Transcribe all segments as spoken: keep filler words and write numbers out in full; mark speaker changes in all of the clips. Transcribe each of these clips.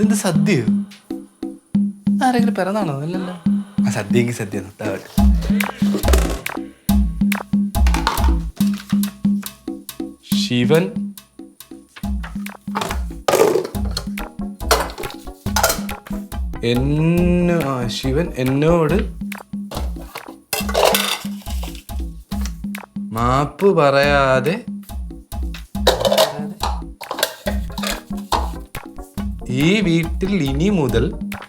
Speaker 1: ഇതെന്ത് സദ്യയോ? ആരെങ്കിലും പിറന്നാണോ? അല്ലല്ലോ. ആ സദ്യക്ക് സദ്യ. ശിവൻ എന്നോ ആ ശിവൻ എന്നോട് മാപ്പ് പറയാതെ ഈ വീട്ടിൽ ഇനി മുതൽ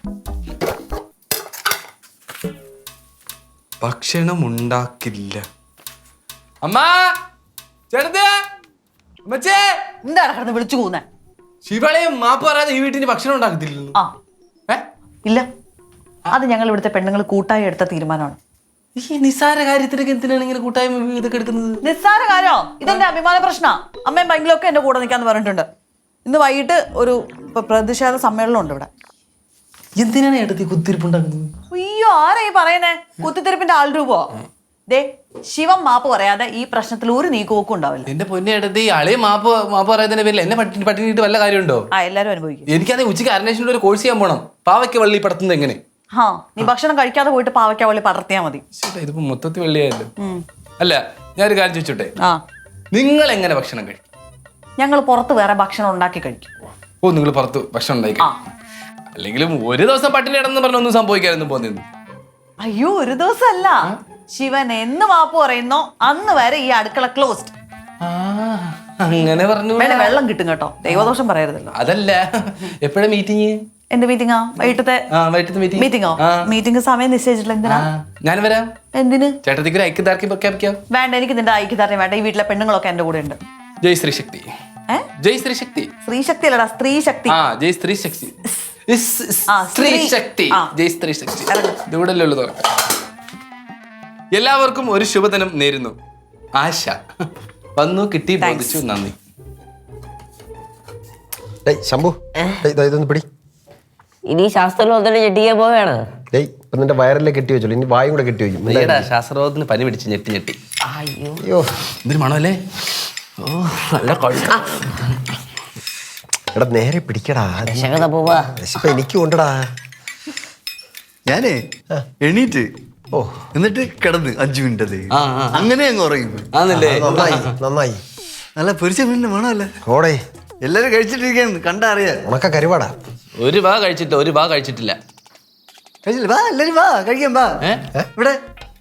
Speaker 1: ഭക്ഷണം ഉണ്ടാക്കില്ല. അമ്മാ, ചേട്ടത്തെ, അമ്മച്ചേ,
Speaker 2: എന്താണ് കിടന്ന് വിളിച്ചു പോകുന്നേ?
Speaker 1: ശിവളയും മാപ്പ് പറയാതെ ഈ വീട്ടിന് ഭക്ഷണം ഉണ്ടാക്കത്തില്ലല്ലോ.
Speaker 2: ആ ഇല്ല, അത് ഞങ്ങൾ ഇവിടുത്തെ പെണ്ണുങ്ങൾ കൂട്ടായി എടുത്ത തീരുമാനമാണ്.
Speaker 1: ഈ നിസ്സാര കാര്യത്തിനൊക്കെ എന്തിനാണ് ഇങ്ങനെ കൂട്ടായ്മ ഇതൊക്കെ എടുക്കുന്നത്?
Speaker 2: നിസ്സാര കാര്യോ? ഇതെന്റെ അഭിമാന പ്രശ്ന. അമ്മയും ഭയങ്കരമൊക്കെ എന്റെ കൂടെ നിൽക്കാന്ന് പറഞ്ഞിട്ടുണ്ട്. ഇന്ന് വൈകിട്ട് ഒരു പ്രതിഷേധ സമ്മേളനം ഉണ്ട് ഇവിടെ.
Speaker 1: എന്തിനാണ് ഏട്ടത്തി കുത്തിരിപ്പുണ്ടാക്കുന്നത്?
Speaker 2: അയ്യോ, ആരാ ഈ പറയുന്നേ? കുത്തിത്തിരിപ്പിന്റെ ആൾ രൂപോ? ദേ, ശിവം മാപ്പ് പറയാതെ ഈ പ്രശ്നത്തിൽ ഒരു നീക്കുപോക്കും ഉണ്ടാവില്ല.
Speaker 1: എന്റെ പൊന്നെ ഏട്ടത്തി, അളയെ മാപ്പ് മാപ്പ് പറയാതിന്റെ പേരിൽ എന്നെ പട്ടി പട്ടിണിട്ട് വല്ല കാര്യമുണ്ടോ?
Speaker 2: ആ, എല്ലാരും അനുഭവിക്കും.
Speaker 1: എനിക്കത് ഉച്ചയ്ക്ക് അരനേഷനിൽ ഒരു കോഴ്സ് ചെയ്യാൻ പോണം. പാവയ്ക്ക് വള്ളി പടത്തുന്നത് എങ്ങനെ?
Speaker 2: ഹാ, നീ ഭക്ഷണം കഴിക്കാതെ പോയിട്ട് പാവയ്ക്ക വള്ളി പടർത്തിയാ മതി.
Speaker 1: ഇതിപ്പോ മൊത്തത്തിൽ വെള്ളിയായല്ലോ. അല്ല, ഞാനൊരു കാര്യം ചോദിച്ചോട്ടെ,
Speaker 2: ആ
Speaker 1: നിങ്ങൾ എങ്ങനെ ഭക്ഷണം കഴിക്കും?
Speaker 2: ഞങ്ങൾ പുറത്ത് വേറെ ഭക്ഷണം ഉണ്ടാക്കി കഴിക്കും.
Speaker 1: ഓ, നിങ്ങൾ പുറത്ത് ഭക്ഷണം ഉണ്ടാക്കി? അല്ലെങ്കിലും ഒരു ദിവസം പട്ടിണി ഇടന്ന് പറഞ്ഞ ഒന്നും സംഭവിക്കാനൊന്നും പോന്നിരുന്നു.
Speaker 2: അയ്യോ, ഒരു ദിവസം അല്ല. ശിവൻ എന്ന് മാപ്പ് പറയുന്നോ അന്ന് വരെ ഈ അടുക്കള ക്ലോസ്ഡ്.
Speaker 1: അങ്ങനെ പറഞ്ഞു.
Speaker 2: വെള്ളം കിട്ടും കേട്ടോ, ദൈവദോഷം പറയരുതല്ലോ.
Speaker 1: അതല്ല, എപ്പോഴാ മീറ്റിംഗ്?
Speaker 2: എന്ത് മീറ്റിംഗാ? വൈകിട്ടത്തെ മീറ്റിംഗോ? മീറ്റിംഗ് സമയം നിശ്ചയിച്ചിട്ടില്ല. എന്തിനാ?
Speaker 1: ഞാൻ വരാം.
Speaker 2: എന്തിന്?
Speaker 1: ചേട്ടത്തിക്ക് ഒരു ഐക്യദാർഢ്യം പ്രഖ്യാപിക്കാം.
Speaker 2: വേണ്ട, എനിക്ക് നിന്റെ ഐക്യദാർഢ്യം വേണ്ട. ഈ വീട്ടിലെ പെണ്ണുങ്ങളൊക്കെ എന്റെ കൂടെ ഉണ്ട്.
Speaker 1: ജയ് ശ്രീ ശക്തി. ജയ് ശ്രീ ശക്തി.
Speaker 2: സ്ത്രീ ശക്തി അല്ലടാ, സ്ത്രീ ശക്തി.
Speaker 1: ആ, ജയ് സ്ത്രീ ശക്തി. സ്ത്രീ ശക്തി. ജയ് സ്ത്രീ ശക്തി. ഇതുകൂടല്ലേ ഉള്ളത്. എല്ലാവർക്കും ഒരു ശുഭദിനം നേരുന്നു. ആശ വന്നു, കിട്ടി, ബോധിച്ചു. നന്ദി.
Speaker 3: ശംഭു, ഇതൊന്ന് പിടി.
Speaker 4: ഇനി ശാസ്ത്രലോകത്തിന് ഞെട്ടിക്കാൻ പോവുകയാണ്.
Speaker 3: നിന്റെ വയറിലെ കെട്ടി വെച്ചോളൂ, ഇനി വായും കൂടെ കെട്ടി വെക്കും.
Speaker 1: ശാസ്ത്രബോധത്തിന് പനി പിടിച്ച് ഞെട്ടി ഞെട്ടി.
Speaker 4: അയ്യോ,
Speaker 1: എന്തൊരു മണമല്ലേ? ഓ, നല്ല കൊഴുപ്പ്.
Speaker 3: എടാ, നേരെ പിടിക്കടാ. വിശപ്പ് എനിക്കും ഉണ്ടടാ.
Speaker 5: ഞാനേ എണീറ്റ് ഓ എന്നിട്ട് കിടന്ന് അഞ്ചു മിനിറ്റ് അങ്ങനെ അങ്ങ് ഉറങ്ങി.
Speaker 3: നന്നായി.
Speaker 5: നല്ല പൊരിച്ച മീനിന്റെ മണമല്ലേ?
Speaker 3: ഓടേ,
Speaker 5: എല്ലാരും കഴിച്ചിട്ടിരിക്കാണ്, കണ്ടാ അറിയാ.
Speaker 3: ഉണക്ക കരുവാടാ.
Speaker 1: ഒരു വാ കഴിച്ചിട്ട് ഒരു വാ കഴിച്ചിട്ടില്ല.
Speaker 5: കഴിച്ചില്ല? വാ, എല്ലാരും വാ, കഴിക്കാൻ വാ. ഇവിടെ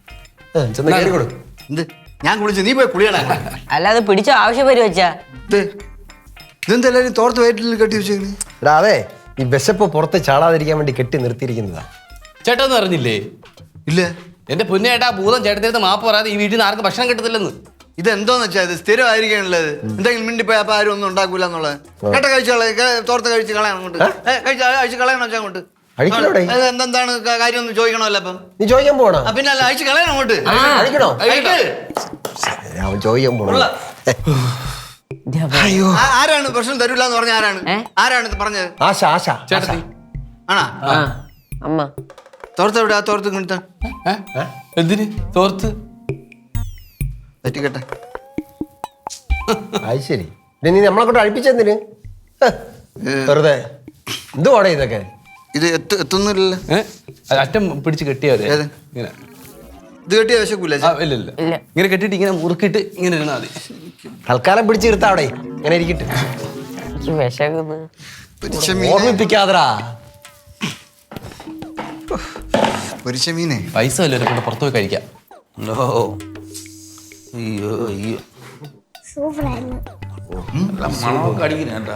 Speaker 5: എന്ത് ഞാൻ കുളിച്ചു, നീ പോയി കുളിയണ.
Speaker 4: അല്ലാതെ പിടിച്ച ആവശ്യം വരും വെച്ചാ.
Speaker 5: ഇതെന്താ എല്ലാരും തോർത്ത് വയറ്റിൽ കെട്ടി വെച്ചേക്കണ്?
Speaker 3: എടാ, അതെ, ഈ വിശപ്പ് പുറത്ത് ചാടാതിരിക്കാൻ വേണ്ടി കെട്ടി നിർത്തിയിരിക്കുന്നതാ.
Speaker 1: ചേട്ടാ ഒന്നും അറിഞ്ഞില്ലേ?
Speaker 5: ഇല്ല.
Speaker 1: എന്റെ പൊന്നേട്ടാ, ഭൂതം ചേട്ടത്തിനടുത്ത് മാപ്പ് പറയാതെ ഈ വീട്ടിൽ നിന്ന് ആർക്കും ഭക്ഷണം കിട്ടത്തില്ലെന്ന്.
Speaker 5: ഇതെന്തോന്ന് വെച്ചാൽ ഇത് സ്ഥിരമായിരിക്കാനുള്ളത്. എന്തെങ്കിലും മിണ്ടിപ്പോയി അപ്പൊ ആരും ഒന്നും ഉണ്ടാക്കൂല എന്നുള്ളത്. കേട്ട കഴിച്ചു തോർത്ത് കഴിച്ച് കളയണം അങ്ങോട്ട്. കഴിച്ച് കളയണം വെച്ചാൽ അങ്ങോട്ട്. എന്താണ് കാര്യം ഒന്ന് ചോദിക്കണമല്ലോ. അപ്പം
Speaker 3: നീ ചോദിക്കാൻ പോണോ?
Speaker 5: പിന്നെ അല്ല, അയച്ചു കളയണം അങ്ങോട്ട്.
Speaker 3: അവൻ ചോദിക്കാൻ പോണോ?
Speaker 5: ആരാണ് ഭക്ഷണം തരൂല എന്ന് പറഞ്ഞ? ആരാണ് ആരാണ് പറഞ്ഞത്?
Speaker 3: ആശ. ആശ
Speaker 1: ചേട്ടത്തി
Speaker 5: ആണാ?
Speaker 4: അമ്മ
Speaker 5: തോർത്ത് എവിടെ? ആ തോർത്ത് കിട്ടാ.
Speaker 1: എന്തിന് തോർത്ത്?
Speaker 5: പറ്റിക്കട്ടെ.
Speaker 3: അത് ശരി. നീ നമ്മളെ കൊണ്ട് അഴിപ്പിച്ചെന്തിന്? വെറുതെ എന്തുവാടേ ഇതൊക്കെ?
Speaker 5: ഇത് എത്തു എത്തുന്നില്ലല്ലോ.
Speaker 1: അറ്റം പിടിച്ച് കെട്ടിയാവരെ.
Speaker 5: ഇത് കെട്ടിയ വിശക്കൂല?
Speaker 1: ഇല്ല, ഇങ്ങനെ കെട്ടിട്ട് ഇങ്ങനെ മുറുക്കിട്ട് ഇങ്ങനെ ഇരുന്നാ മതി.
Speaker 3: തൽക്കാലം പിടിച്ച് ഇരുത്താ അവിടെ, ഇങ്ങനെ ഇരിക്കട്ടെ. ഓർമ്മിപ്പിക്കാതടാ.
Speaker 5: പൊരിച്ച മീനെ
Speaker 1: പൈസ വല്ലവരെ കൊണ്ട് പുറത്തു പോയി കഴിക്കാം.
Speaker 5: അയ്യോ അയ്യോ,
Speaker 1: മണമൊക്കെ അടിക്കുന്നേട്ടാ.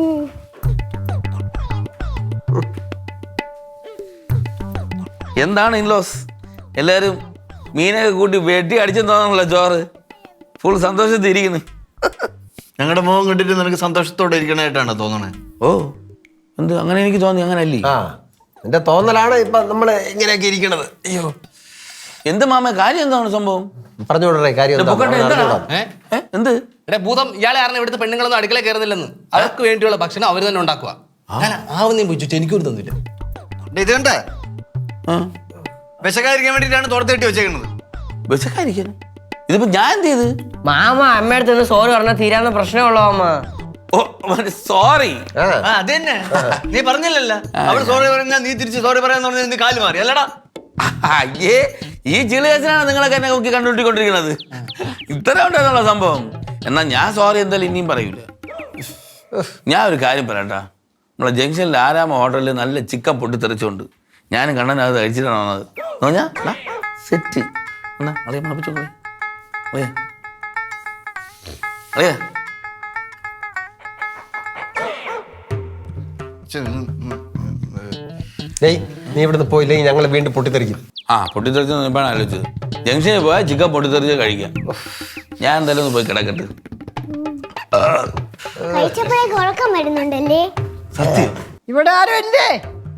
Speaker 6: എന്താണ് ഇൻലോസ് എല്ലാരും മീനൊക്കെ കൂട്ടി വെട്ടി അടിച്ചെന്ന് തോന്നണല്ലോ ചോറ്? ഫുൾ സന്തോഷത്തിൽ ഇരിക്കുന്നു.
Speaker 5: ഞങ്ങളുടെ മുഖം കണ്ടിട്ട് നിനക്ക് സന്തോഷത്തോടെ ഇരിക്കണായിട്ടാണ് തോന്നണേ?
Speaker 6: ഓ, എന്ത് അങ്ങനെ? എനിക്ക് തോന്നി അങ്ങനെ അല്ലേ.
Speaker 3: ആ, എന്റെ തോന്നലാണ് ഇപ്പൊ നമ്മള് ഇങ്ങനെയൊക്കെ ഇരിക്കണത്. അയ്യോ,
Speaker 6: എന്ത് മാമ കാര്യം? എന്താണ് സംഭവം?
Speaker 3: പറഞ്ഞുകൊണ്ടേ കാര്യം.
Speaker 6: എന്ത്
Speaker 1: ഭൂതം ഇയാളെ അറിഞ്ഞ ഇവിടുത്തെ പെണ്ണുങ്ങളൊന്നും അടുക്കള കയറുന്നില്ലെന്ന്. അവർക്ക് വേണ്ടിയുള്ള ഭക്ഷണം അവർ തന്നെ ഉണ്ടാക്കുക. ആവുന്നേം പോയി എനിക്കൊരു തന്നില്ല.
Speaker 5: ഇത് കണ്ടേ, വിശക്കാതിരിക്കാൻ വേണ്ടിട്ടാണ് തോർത്ത് കെട്ടി വെച്ചേക്കുന്നത്.
Speaker 6: വിശക്കാതിരിക്കാൻ? ഇതിപ്പോ ഞാൻ എന്ത് ചെയ്ത്?
Speaker 4: മാമ അമ്മയടുത്ത് നിന്ന് സോറി പറഞ്ഞാൽ തീരാവുന്ന പ്രശ്നമുള്ളോ അമ്മ?
Speaker 6: ഓ സോറി.
Speaker 3: ആ.
Speaker 5: ആ, അത് തന്നെ നീ പറഞ്ഞില്ലല്ല അവള് സോറി പറഞ്ഞാ നീ തിരിച്ച് സോറി പറയാന്ന് പറഞ്ഞാൽ നീ കാല് മാറി അല്ലടാ.
Speaker 6: അയ്യേ ഈ ചിളിയച്ചനാണ് നിങ്ങളൊക്കെ എന്നെ നോക്കി കണ്ടുപിട്ടിക്കൊണ്ടിരിക്കുന്നത്. ഇത്ര ഉണ്ടായിരുന്നുള്ള സംഭവം. എന്നാ ഞാൻ സോറി എന്തായാലും ഇനിയും പറയൂല. ഞാൻ ഒരു കാര്യം പറയട്ടാ, നമ്മളെ ജംഗ്ഷനിൽ ആരാമ ഹോട്ടലിൽ നല്ല ചിക്കൻ പൊട്ടിത്തെറിച്ചുകൊണ്ട് ഞാനും കണ്ണൻ അത് കഴിച്ചിട്ടാണ് വന്നത്. പറഞ്ഞാ സെറ്റ് എന്നാ അറിയാൻ മണപ്പിച്ചോളേ അറിയാ അറിയാ
Speaker 3: ഡേയ് നീ ഇവിടുന്ന് പോയില്ലെങ്കിൽ ഞങ്ങൾ വീണ്ടും പൊട്ടിത്തെറിക്കും.
Speaker 6: ആ പൊട്ടിത്തെറിച്ച് എപ്പോഴാണ് ആലോചിച്ചത്. ജംഗ്ഷനിൽ പോയാൽ ചിക്കൻ പൊട്ടിത്തെറിച്ച് കഴിക്കാം. ഞാൻ എന്തായാലും ഒന്ന് പോയി കിടക്കട്ടെ.
Speaker 7: കഴിച്ചപ്പോഴേക്ക് ഉറക്കം വരുന്നുണ്ടല്ലേ?
Speaker 6: സത്യം
Speaker 8: ഇവിടെ ആരും ഇല്ലേ?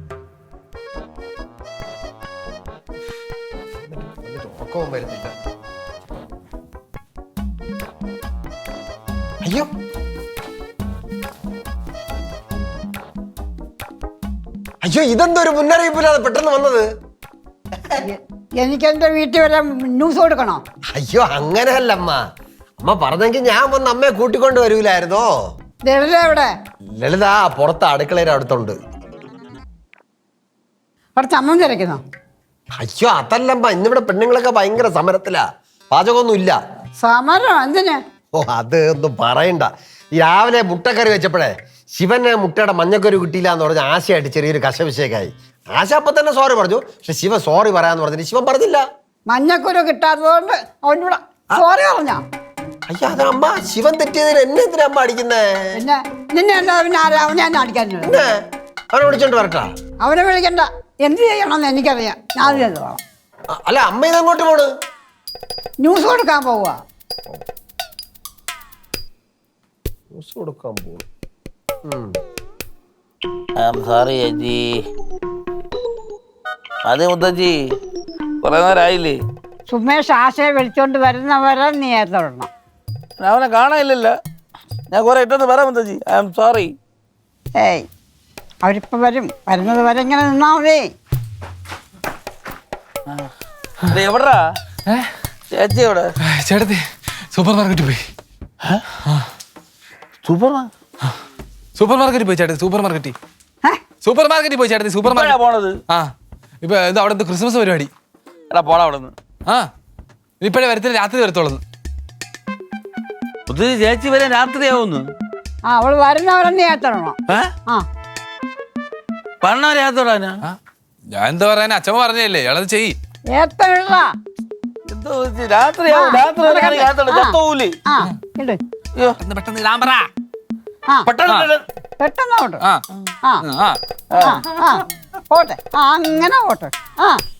Speaker 3: അയ്യോ അയ്യോ ഇതെന്തോ ഒരു മുന്നറിയിപ്പില്ലാതെ പെട്ടെന്ന് വന്നത്.
Speaker 8: എനിക്ക് എന്റെ വീട്ടിൽ വരെ ന്യൂസ് കൊടുക്കണോ?
Speaker 3: അയ്യോ അങ്ങനെയല്ല അമ്മ. അമ്മ പറഞ്ഞെങ്കിൽ ഞാൻ വന്ന് അമ്മയെ കൂട്ടിക്കൊണ്ട് വരൂലായിരുന്നോ?
Speaker 8: ലളിത എവിടെ?
Speaker 3: ലളിത പുറത്ത് അടുക്കളയുടെ അടുത്തുണ്ട്.
Speaker 8: അവിടെ ചമ്മം തിരക്കുന്നോ?
Speaker 3: അയ്യോ അതല്ലമ്മ, ഇന്നിവിടെ പെണ്ണുങ്ങളൊക്കെ ഭയങ്കര സമരത്തിലാ. പാചകമൊന്നും ഇല്ല.
Speaker 8: സമരം എന്തിന്?
Speaker 3: ഓ അത് ഒന്നും പറയണ്ട. ഈ രാവിലെ മുട്ടക്കറി വെച്ചപ്പോഴേ ശിവന് മുട്ടയുടെ മഞ്ഞക്കറി കിട്ടിയില്ല എന്ന് പറഞ്ഞ് ആശയായിട്ട് ചെറിയൊരു കശവിശേഷമായി. ആശ അപ്പൊ തന്നെ സോറി പറഞ്ഞു. പക്ഷെ ശിവൻ സോറി പറയാന്ന് പറഞ്ഞിട്ട് ശിവൻ പറഞ്ഞില്ല.
Speaker 8: മഞ്ഞക്കുരു കിട്ടാത്തതുകൊണ്ട് അവനോട് സോറി പറഞ്ഞ.
Speaker 3: അയ്യോ അത് അമ്മ, ശിവൻ തെറ്റിയതിന് എന്നെ എന്തിനാ അമ്മ അടിക്കുന്നേ?
Speaker 8: പിന്നെ നിന്നെ എന്താ പിന്നെ ആരാ അവനെ ഞാൻ അടിക്കാനുള്ളത്?
Speaker 3: പിന്നെ അവനെ വിളിച്ചോണ്ട് വരട്ടാ?
Speaker 8: അവനെ വിളിക്കണ്ട. എന്ത് ചെയ്യണമെന്ന് എനിക്കറിയാം. ഞാൻ ചെയ്തു പോകാം.
Speaker 3: അ- അല്ല അമ്മ ഇതങ്ങോട്ട് പോണ്?
Speaker 8: ന്യൂസ് കൊടുക്കാൻ പോവുക.
Speaker 3: ന്യൂസ് കൊടുക്കാൻ പോകും.
Speaker 6: സോറി ചേച്ചി. അതെ മുത്തച്ചി കുറെ നേരമായില്ലേ?
Speaker 8: സുമേഷ് ആശയെ വിളിച്ചോണ്ട് വരുന്നവരെ നീ ഏത്തോടണം.
Speaker 6: അവനെ കാണാനില്ലല്ലോ. ഞാൻ കുറെ ഇട്ടെന്ന് പറയാം മുത്തച്ചി. I am sorry.
Speaker 8: ഏയ് അവരിപ്പോ വരും. വരുന്നത് വരെ ഇങ്ങനെ നിന്നാ മതി.
Speaker 6: എവിടാ ചേച്ചി? എവിടെ?
Speaker 1: ചേട്ടത്തി സൂപ്പർ മാർക്കറ്റിൽ പോയി.
Speaker 6: സൂപ്പർ
Speaker 1: സൂപ്പർ മാർക്കറ്റിൽ പോയി ചേട്ടത്തി. സൂപ്പർ മാർക്കറ്റിൽ
Speaker 8: ഏ?
Speaker 1: സൂപ്പർ മാർക്കറ്റിൽ പോയി ചേട്ടത്തി. സൂപ്പർ മാർക്കറ്റ്
Speaker 6: പോണത്?
Speaker 1: ആ ഇപ്പൊ ഇത് അവിടെ ക്രിസ്മസ് പരിപാടി.
Speaker 6: എടാ പോടാ അവിടെ നിന്ന്.
Speaker 1: ആ ഇപ്പഴേ വരത്തില്ല, രാത്രി വരത്തോളൂ.
Speaker 6: മുത്തച്ചി ചേച്ചി വരാൻ രാത്രിയാവുന്നു.
Speaker 8: ആ അവള് വരുന്നവരെ നീ ഏത്തോടണം.
Speaker 6: ഏ
Speaker 8: ആ
Speaker 6: പണ്ണ രാത്രിയോടാനാ?
Speaker 1: ആ ഞാൻ എന്താ പറയാൻ, അച്ഛമ്മ പറഞ്ഞല്ലേ, ഇയാളത് ചെയ്യ്.
Speaker 8: ഏത്തോടാ.
Speaker 6: എന്തോ രാത്രിയാവും. രാത്രി വരെ രാത്രി ചത്തോവൂലേ?
Speaker 8: ആ ഇട്.
Speaker 6: അയ്യോ
Speaker 1: പെട്ടെന്ന് പെട്ടെന്ന് ഇടാൻ പറ.
Speaker 8: ആ
Speaker 6: പെട്ടെന്ന്
Speaker 8: പെട്ടെന്ന് പോട്ടെ.
Speaker 1: ആ
Speaker 8: ആ
Speaker 1: ആ
Speaker 8: ആ ആ പോട്ടെ. ആ അങ്ങനെ പോട്ടെ. ആ